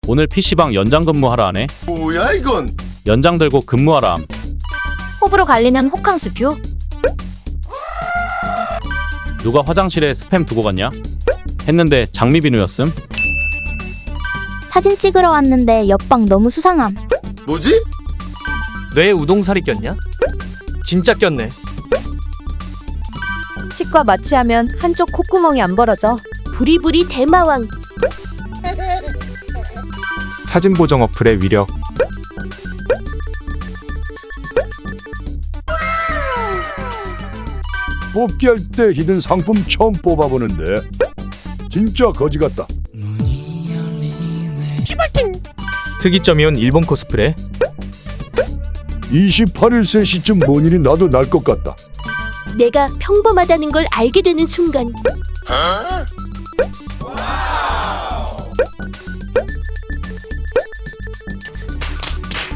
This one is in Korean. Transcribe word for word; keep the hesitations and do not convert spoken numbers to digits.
오늘 피시방 연장 근무하라 하네. 뭐야 이건? 연장 들고 근무하라 함. 호불호 갈리는 호캉스 뷰. 누가 화장실에 스팸 두고 갔냐? 했는데 장미비누였음. 사진 찍으러 왔는데 옆방 너무 수상함. 뭐지? 뇌에 우동살이 꼈냐? 진짜 꼈네. 치과 마취하면 한쪽 콧구멍이 안 벌어져. 부리부리 대마왕. 사진 보정 어플의 위력. 뽑기 할 때 히든 상품 처음 뽑아보는데 진짜 거지 같다. 특이점이온 일본 코스프레. 이십팔 일 세 시쯤 뭔 일이 나도 날 것 같다. 내가 평범하다는 걸 알게 되는 순간